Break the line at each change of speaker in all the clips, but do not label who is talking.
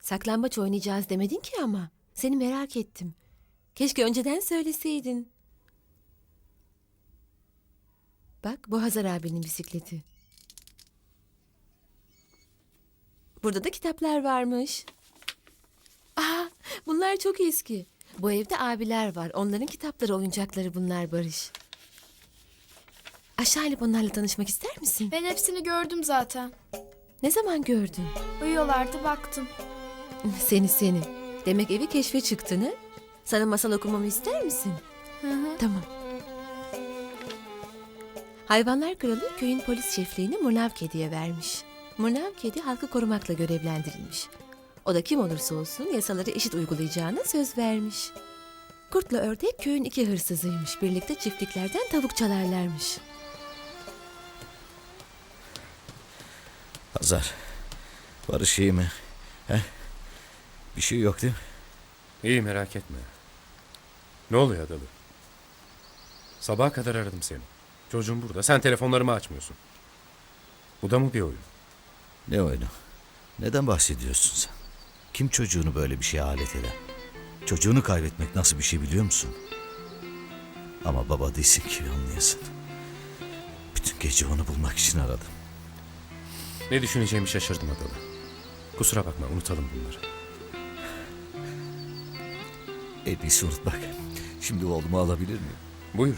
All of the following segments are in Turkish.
Saklambaç oynayacağız demedin ki ama. Seni merak ettim. Keşke önceden söyleseydin. Bak bu Hazar abinin bisikleti. Burada da kitaplar varmış. Aa, bunlar çok eski. Bu evde abiler var. Onların kitapları, oyuncakları bunlar Barış. Aşağı inip onlarla tanışmak ister misin?
Ben hepsini gördüm zaten.
Ne zaman gördün?
Uyuyorlardı baktım.
Seni. Demek evi keşfe çıktın ha? Sana masal okumamı ister misin?
Hı.
Tamam. Hayvanlar Kralı köyün polis şefliğini Murnav Kedi'ye vermiş. Murnav Kedi halkı korumakla görevlendirilmiş. O da kim olursa olsun yasaları eşit uygulayacağına söz vermiş. Kurtla ördek köyün 2 hırsızıymış. Birlikte çiftliklerden tavuk çalarlarmış.
Hazar, Barış iyi mi? He? Bir şey yok değil mi?
İyi, merak etme. Ne oluyor Adalı? Sabaha kadar aradım seni. Çocuğum burada. Sen telefonlarımı açmıyorsun. Bu da mı bir oyun?
Ne oyunu? Neden bahsediyorsun sen? Kim çocuğunu böyle bir şeye alet eder? Çocuğunu kaybetmek nasıl bir şey biliyor musun? Ama baba değilsin ki anlayasın. Bütün gece onu bulmak için aradım.
Ne düşüneceğimi şaşırdım Adalı. Kusura bakma, unutalım bunları.
En iyisi unutmak. Şimdi oğlumu alabilir miyim?
Buyur.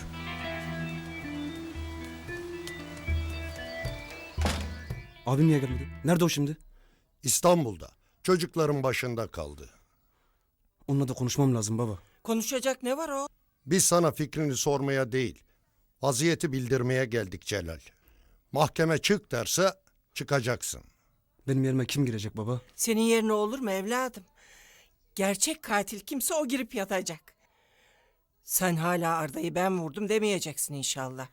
Abim niye gelmedi? Nerede o şimdi?
İstanbul'da. Çocukların başında kaldı.
Onunla da konuşmam lazım baba.
Konuşacak ne var o?
Biz sana fikrini sormaya değil, vaziyeti bildirmeye geldik Celal. Mahkeme çık derse çıkacaksın.
Benim yerime kim girecek baba?
Senin yerine olur mu evladım? Gerçek katil kimse o girip yatacak. Sen hala Arda'yı ben vurdum demeyeceksin inşallah.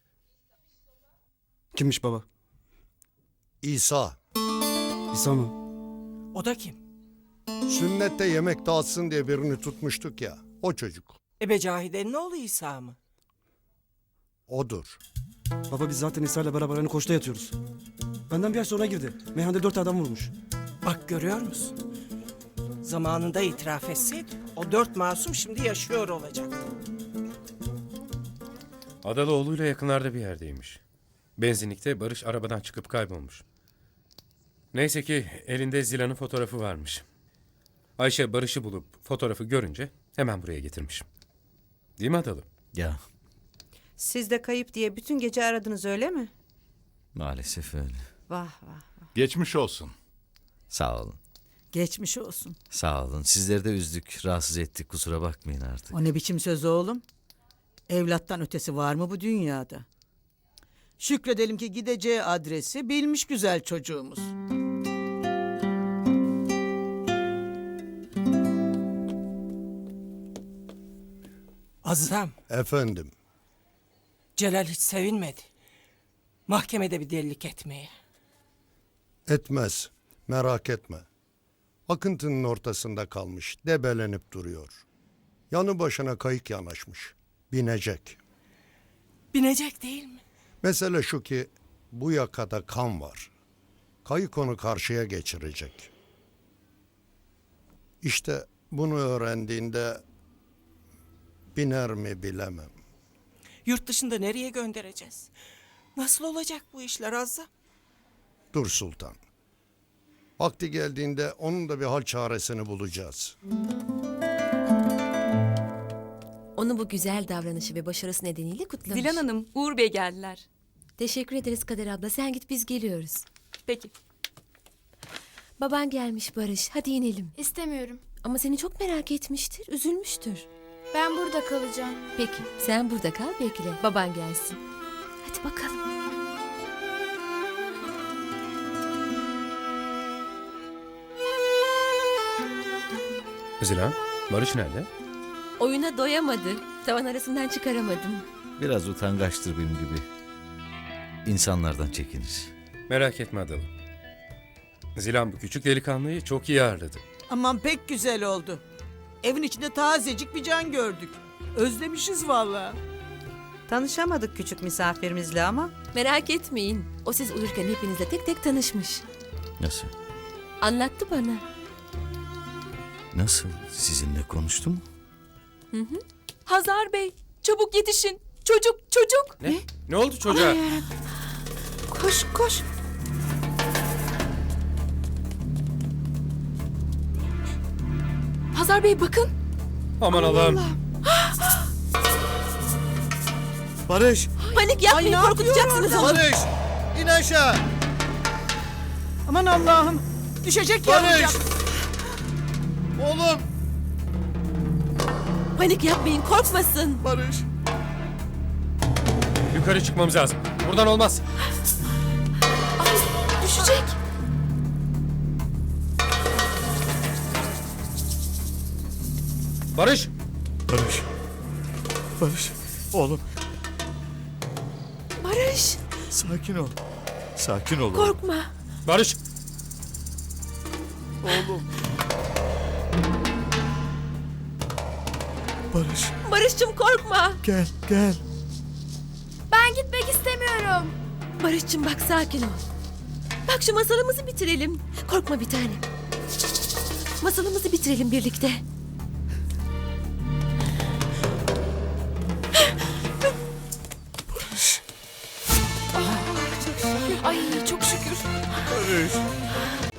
Kimmiş baba?
İsa,
İsa mı?
O da kim?
sünnette yemek dağıtsın diye birini tutmuştuk ya, o çocuk.
Ebe Cahide'nin oğlu İsa mı?
Odur.
Baba biz zaten İsa ile beraber aynı koğuşta yatıyoruz. Benden bir ay sonra girdi. Meyhanede 4 adam vurmuş.
Bak görüyor musun? Zamanında itiraf etseydi o 4 masum şimdi yaşıyor olacak.
Adalı oğluyla yakınlarda bir yerdeymiş. Benzinlikte Barış arabadan çıkıp kaybolmuş. Neyse ki elinde Zila'nın fotoğrafı varmış. Ayşe Barış'ı bulup fotoğrafı görünce hemen buraya getirmiş. Değil mi Adalı?
Ya
Siz de kayıp diye bütün gece aradınız öyle mi?
maalesef öyle.
Vah vah.
Geçmiş olsun.
Sağ olun.
Geçmiş olsun.
Sağ olun. Sizleri de üzdük, rahatsız ettik. Kusura bakmayın artık.
O ne biçim söz oğlum? Evlattan ötesi var mı bu dünyada? Şükredelim ki gideceği adresi bilmiş güzel çocuğumuz.
Azam,
Efendim,
Celal hiç sevinmedi. Mahkemede bir delilik etmeye.
etmez, merak etme. Akıntının ortasında kalmış, debelenip duruyor. Yanı başına kayık yanaşmış, binecek.
Binecek değil mi?
Mesele şu ki, bu yakada kan var. Kayık onu karşıya geçirecek. İşte bunu öğrendiğinde biner mi bilemem.
Yurt dışında nereye göndereceğiz? Nasıl olacak bu işler Azam?
Dur Sultan. Vakti geldiğinde onun da bir hal çaresini bulacağız.
Onu bu güzel davranışı ve başarısı nedeniyle kutlamış.
Dilan Hanım, Uğur Bey geldiler.
Teşekkür ederiz Kader abla. Sen git, biz geliyoruz.
Peki.
Baban gelmiş Barış. Hadi inelim.
İstemiyorum.
Ama seni çok merak etmiştir. Üzülmüştür.
Ben burada kalacağım.
Peki sen burada kal, bekle. Baban gelsin. Hadi bakalım.
Zila, Barış nerede?
Oyuna doyamadı. Tavan arasından çıkaramadım.
Biraz utangaçtır benim gibi. İnsanlardan çekinir.
Merak etme Adalı. Zilan bu küçük delikanlıyı çok iyi ağırladı.
Aman pek güzel oldu. Evin içinde tazecik bir can gördük. Özlemişiz vallahi. Tanışamadık küçük misafirimizle ama.
Merak etmeyin. O siz uyurken hepinizle tek tek tanışmış.
Nasıl?
Anlattı bana.
Nasıl? Sizinle konuştu mu?
Hazar Bey, çabuk yetişin. Çocuk.
Ne? Ne oldu çocuğa?
Koş koş. Hazar Bey bakın.
Aman Allah'ım.
Barış!
Panik yapmayın,
Ay, ne
korkutacaksınız onu.
Barış! İn aşağı!
Aman Allah'ım. Düşecek
Barış!
yavrucak.
Oğlum!
Panik yapmayın, korkmasın.
Barış!
Yukarı çıkmamız lazım. Buradan olmaz.
Ay, düşecek.
Barış!
Barış! Barış! Oğlum
Barış,
sakin ol. Sakin ol. oğlum.
korkma.
Barış!
Oğlum. Barış
Barış'cığım korkma.
gel gel.
Ben gitmek istemiyorum.
Barış'cığım bak sakin ol. Bak şu masalımızı bitirelim. Korkma bir tane. Masalımızı bitirelim birlikte.
Ay çok şükür.
Barış.